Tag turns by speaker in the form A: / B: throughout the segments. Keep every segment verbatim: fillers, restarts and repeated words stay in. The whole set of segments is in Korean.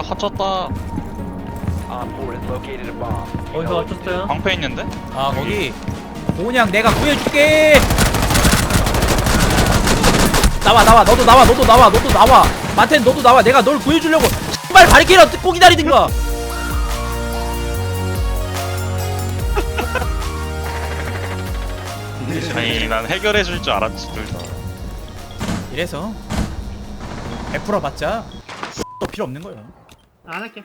A: 갇혔다.
B: 어디서 맞췄어요?
A: 방패 있는데?
C: 아 거기 그냥 내가 구해줄게. 나와 나와 너도 나와 너도 나와 너도 나와 마텐 너도 나와. 내가 널 구해주려고 빨리 바리케이라 뜯고 기다리든가.
A: 아니 난 해결해줄 줄 알았지 둘 다.
C: 이래서 베풀어 봤자 또 필요 없는 거야.
B: 안 할게.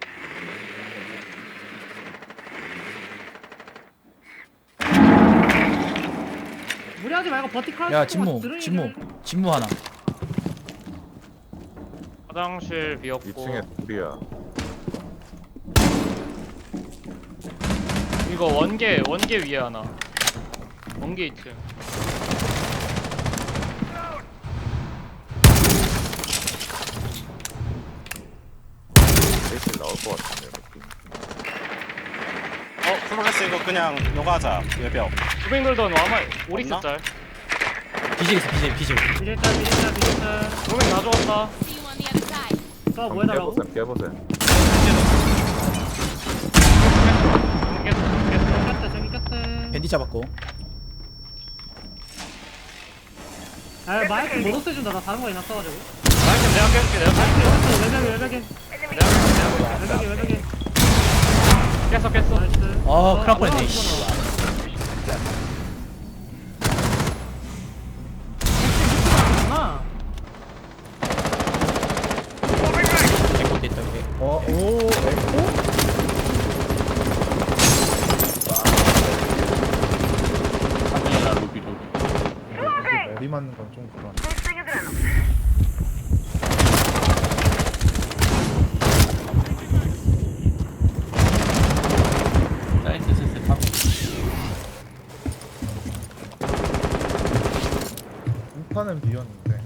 B: 무리하지 말고 버티컬.
C: 야 진무 진무 진무 하나.
D: 화장실 비었고
E: 이 층에 둘이야.
D: 이거 원개 원개 위에 하나 원개 이 층
E: 세실 나올 것 같은데 느낌.
F: 어 플로레스 이거 그냥 요가자 외벽.
D: 구백 돌던 와마 오릭스 짤
C: 비질 있어 비질 비질.
B: 비질자 비질자 비질자.
D: 구백 다 죽었다.
G: See you on the other side.
B: 또
E: 한번
B: 뭐해달라고?
E: 깨보셈 깨보셈.
D: 깼어 깼어
B: 꼈대 저기 꼈대.
C: 밴디 잡았고.
B: 아 마이크 못 없애준다. 나 다른 거 해놨어가지고.
D: 마이크 내가 깨줄게 내가 깨줄게
B: 외벽에 외벽에
D: 내가 깨줄게
B: 외벽에 외벽에.
D: 깼어 깼어
B: 나이스.
C: 아 큰일 날 뻔했네. 씨.
B: 아.
C: 에코 됐다 이게.
E: 어, 오, 에코?
H: 머리 맞는 건 좀 그런.
C: 사이트 슬슬 하고.
H: 우파는 비었는데.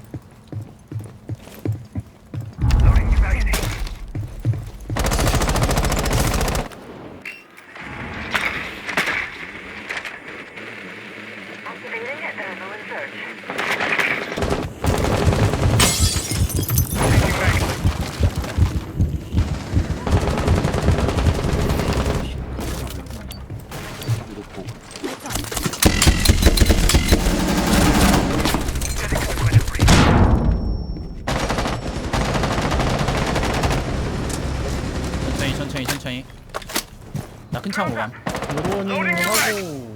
C: 천천히 천천히 천천히. 나 큰 창 오감.
H: 요로닝 하고.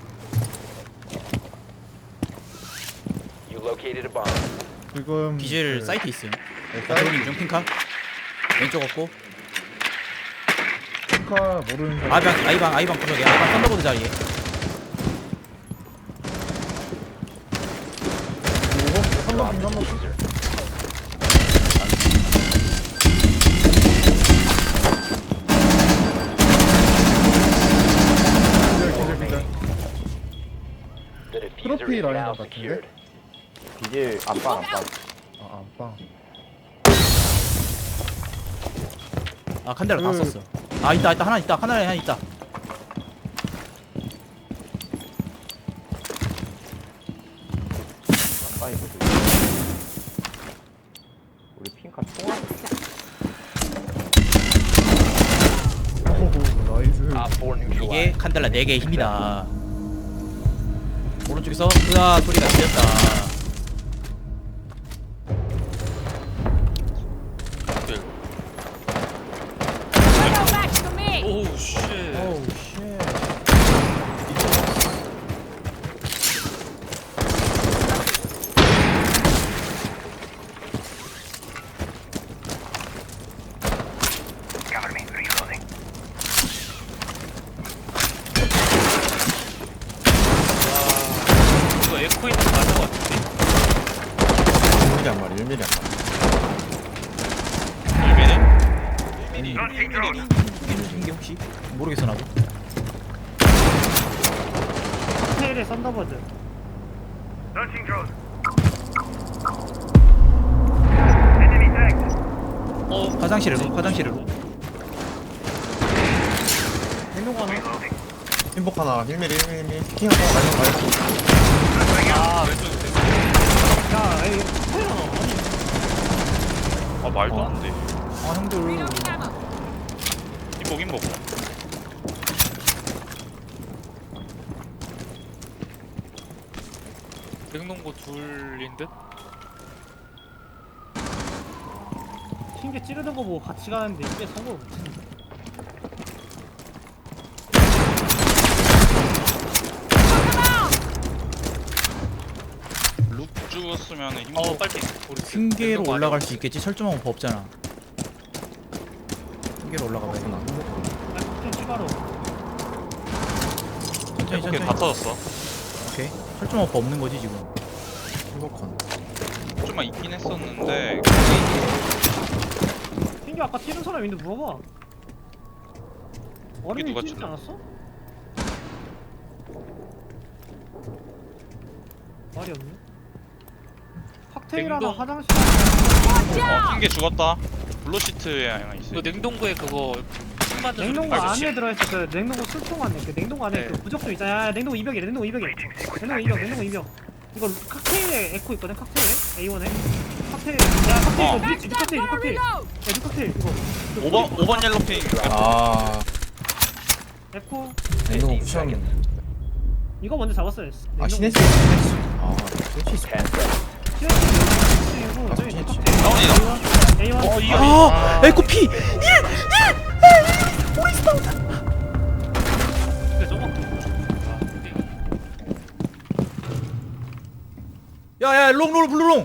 H: 지금
C: 비질
H: 그-
C: 사이트 있음.
H: 네,
C: 자, 들어오는
H: 사이트
C: 중 핑카. 왼쪽 없고.
H: 카 모르는 사람.
C: 아이방 아이방 아이방 구석에 아이방 썬더보드 자리에.
H: 요거 한번 빙 한번. 기절 기절 기절. 트로피 라인 같은데?
E: 비질 안방 안방.
H: 아 안방.
C: 아 칸데라 다
H: 그-
C: 썼어. 아 있다 있다 하나 있다 하나에 하나 있다.
E: 안방이 뭐지? 우리 핑카 총알.
H: 오호 나이스.
C: 이게 칸델라 네 개의 힘이다. 오른쪽에서 으아 소리가 들렸다.
G: Go back to me.
D: 오우 쉣
H: 오우 쉣.
D: 이거 에코 있는 거 맞는 거 같은데
E: 일 밀리 한 마리, 일 밀리 한 마리.
A: 일 미리?
C: 이게 혹시 모르겠어 나도.
B: 테일의 썬더버드.
C: 어 화장실으로 화장실으로.
B: 대놓고 하나.
E: 흰복 하나, 일 밀리, 일 밀리. 피킹 하나 가면 가요.
D: 아 왼쪽에
B: 야, 에이, 테일 하나. 아니.
A: 아 말도 안 돼.
C: 아 형들
G: Reloading ammo.
A: 힘복 힘복.
I: 냉동고 둘인 듯?
B: 튕겨 찌르는 거 보고 같이 가는데 이게 성공 못 치네.
A: 룩 죽었으면 힘복.
I: 어 빨리 우리
C: 핑계로
I: 냉동고
C: 올라갈
I: 아니야.
C: 수 있겠지. 철조망 법 없잖아. 핑계로 올라가 봐야 돼.
B: 아, 좀 추가로.
C: 천천히
A: 오케이 다
C: 천천히.
A: 터졌어.
C: 오케이. 철조망 법 없는 거지 지금.
E: 행복한.
A: 좀만 있긴 했었는데
B: 튕겨 아까 튀는 사람 있는데 물어봐. 어른이
A: 누가
B: 튀지
A: 튀나?
B: 않았어? 말이 없네. 칵테일 하나
I: 냉동.
B: 화장실
A: 어 핑계 죽었다. 블루 시트에 하나 있어.
I: 그 냉동고에 그거 술 만든
B: 냉동고
I: 소리
B: 안에 들어있어. 그 냉동고 술통 안에 그 냉동고 안에
I: 네.
B: 그 부적도 있잖아. 야, 냉동고 이백이래. 냉동고 이백이래. 냉동고 이백. 냉동고 이백. 이거 칵테일에 에코 있거든. 칵테일에 에이원에 칵테일. 야 칵테일
A: 어.
B: 이거 뮤 칵테일 뮤 칵테일. 야 뮤 칵테일 이거. 그
A: 오 번 오 번 옐로 핑.
E: 아,
B: 에코.
E: 냉동고 푸시하면.
B: 이거 먼저 잡았어야 했어.
E: 아, 시네스. 시네스. 아, 시네스.
B: 그리고 저기
E: 아,
B: 칵테일.
A: 다운이다.
B: 에이원.
A: 어 이거.
C: 아 에코 피.
I: 근데 저거 아 근데
C: 야야 롱롤 블루롱.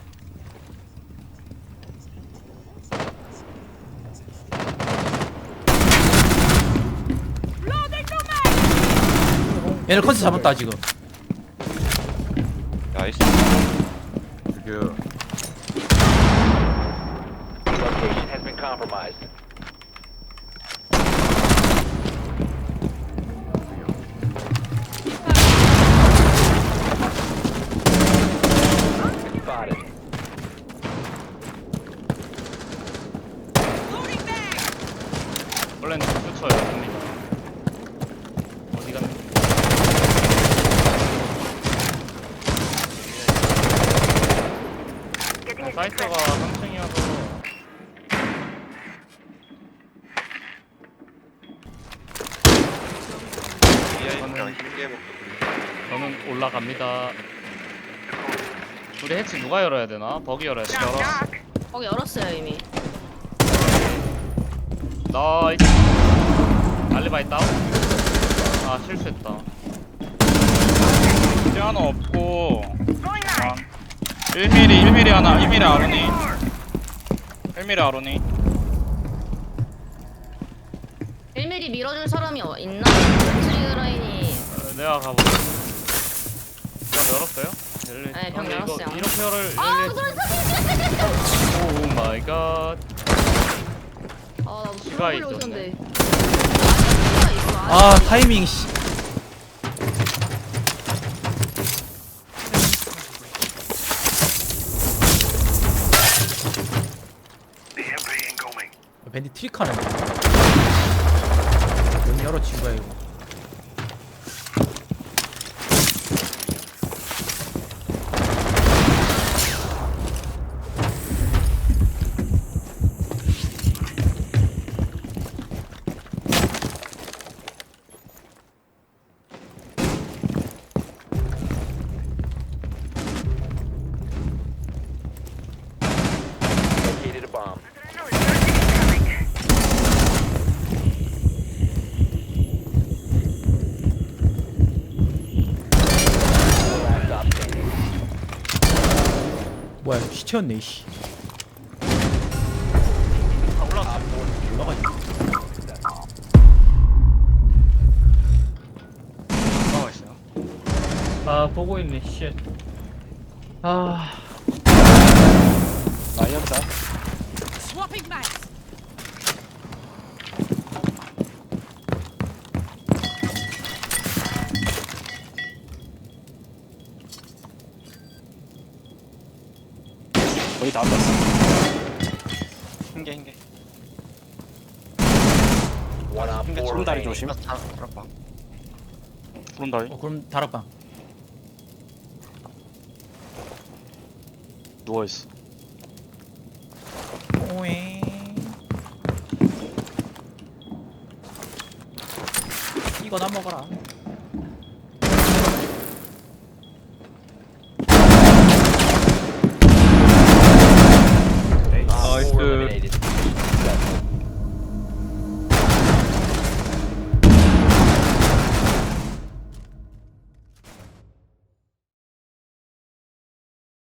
C: 얘네 컨셉 잡았다 지금.
A: 나이스. 죽여.
H: Location has been compromised. Spotted.
D: 원래는 그쳐요 형님. 어디 갔니? 아, 사이트가 삼 층이어서 저는, 저는 올라갑니다. 우리 해치 누가 열어야 되나? 버기 열어야 되나?
G: 거기 열었어요 이미.
D: 나이스. 알리바이 다운? 아 실수했다.
A: 이제 하나 없고. 아, 일 밀리 일 밀리 하나 일 밀리 아로니. 일 밀리 아로니.
G: 일 밀리미터 밀어줄 사람이 어- 있나? 트리그라인이
D: 어, 내가 가볼게. 병 열었어요? 열리-
G: 네, 병
D: 근데 이거
G: 열었어요.
D: 이렇게 열을
G: 아
D: 열리.
G: 그래 사진
D: 오 마이 갓.
G: 아 나도
D: 지가
G: 들어보려고
D: 있었네.
G: 했는데 아직 시가 있어.
C: 아 타이밍 씨. 밴디 트릭하네. 문 열어 친구야 이거.
H: Located a bomb. Last stop standing.
C: 뭐야 시체였네 씨.
A: 올라왔어.
C: 올라가 있네.
A: 올라와 있어요.
D: 아 보고 있네 쉣. 아
F: 나이언자.
G: Swapping mags.
F: 거의 다 왔어. 흰개 흰개.
H: One op
F: 흰개
H: four
F: 쭈름다리
H: remaining.
F: 조심.
A: 부른다리.
C: 어 그럼 다락방.
A: 누워 있어.
C: 오잉. 이거나 먹어라.